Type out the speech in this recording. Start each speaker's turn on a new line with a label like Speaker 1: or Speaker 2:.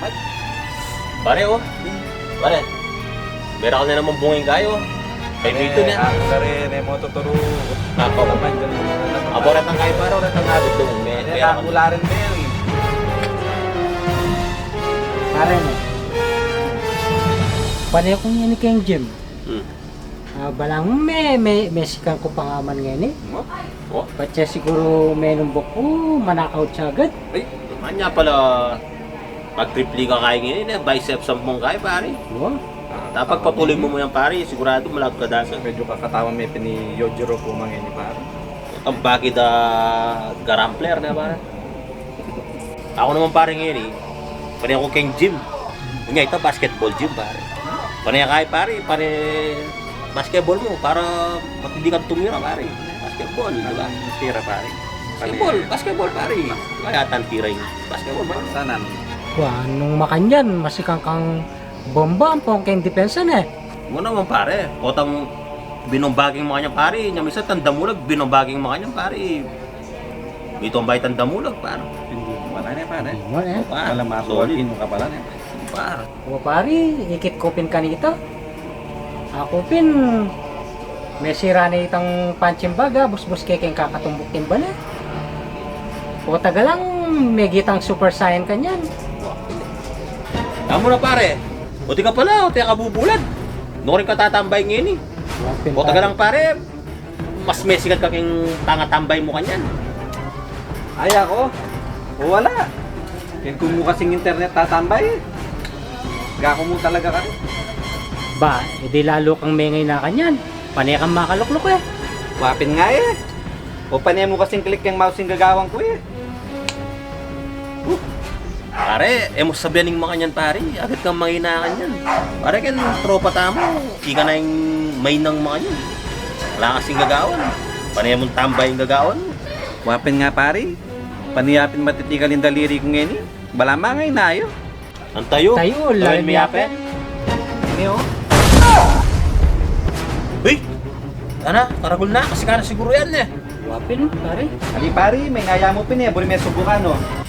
Speaker 1: salamat.
Speaker 2: Pare, oh. Pare. Meron ka na naman bunging kayo. Kay Mito na.
Speaker 1: Ako na rin, mo tuturo.
Speaker 2: Ako
Speaker 1: naman, ganun naman.
Speaker 2: Abo rin ang kayo pare, rin ang nabit doon. Meron
Speaker 1: Ako wala rin na yan.
Speaker 3: Pare mo. Panay kong yan kayong gym. Balang may sikan ko pangaman ngayon eh.
Speaker 2: Oh.
Speaker 3: Patya siguro may numbok ko, manakaw siya agad.
Speaker 2: Ay, naman niya pala. Pag-tripli ka kaya ngayon, biceps ang mong kaya pare.
Speaker 3: Wow.
Speaker 2: Dapat patuloy mo yan pare, sigurado malakot ka dasa.
Speaker 1: Medyo kakatawa may pini Yojiro po mga ini para.
Speaker 2: Ang bakit garampler na pare. Ako naman pare ngayon eh. Panay ako kayong gym. Yun nga ito, basketball gym pare. Panay kaya pare, basketball mo para matindi kang tumira pare. Basketball, di ba?
Speaker 1: Tira pare.
Speaker 2: Basketball pare. Kaya tantira yung basketball pare.
Speaker 1: Sanan.
Speaker 3: Wah, nung makanyan, masikang kang bomba ang pong kayong depensa na eh.
Speaker 2: Mo naman pare, otang binombaging mga niya pare, niya misa tandamulag, binombaging mga niya pare. Ito ang bayit tandamulag pare.
Speaker 1: Hindi wala na pare.
Speaker 3: Mo eh.
Speaker 1: Wala masuwalin mo ka pala na.
Speaker 2: Pare.
Speaker 3: O pare, ikit kopin ka nito. Ako pin, may sira na itang panchimbaga, busbus kay kayong kakatumbok timbala. O taga lang, may gitang super saiyan ka niyan.
Speaker 2: Tama na pare. Buti ka pala, buti ka kabubulad. Noon rin ka tatambay ngayon eh. O taga lang pare, mas mesikat ka kayong tanga-tambay mo kanyan.
Speaker 1: Ay ako? O wala. Yan kung mo kasing internet tatambay. Gako mo talaga ka rin.
Speaker 3: Ba, edi lalo kang mengay na kanyan. Panay kang makaluklok eh.
Speaker 1: Wapin nga eh. O panay mo kasing click yung mouse yung gagawang ko eh.
Speaker 2: Pare, mo sabihan ng mga kanyan pare, agad kang manginakan yan. Pare kan tropa tamo, ika na yung may ng mga yan. Wala kasing gagawan. Panay mong tambay yung gagawan.
Speaker 1: Wapin nga pare. Paniyapin matitigal yung daliri ko ngayon eh. Balama nga inayo.
Speaker 2: Ang tayo.
Speaker 3: Tayo,
Speaker 2: Lawin mo yape.
Speaker 1: Ini oh.
Speaker 2: Uy! Ana, karagol na, kasi ka na siguro yan eh.
Speaker 3: Wapin, pare.
Speaker 1: Ali pare, may ngaya mo pin eh. Buri may subukan oh.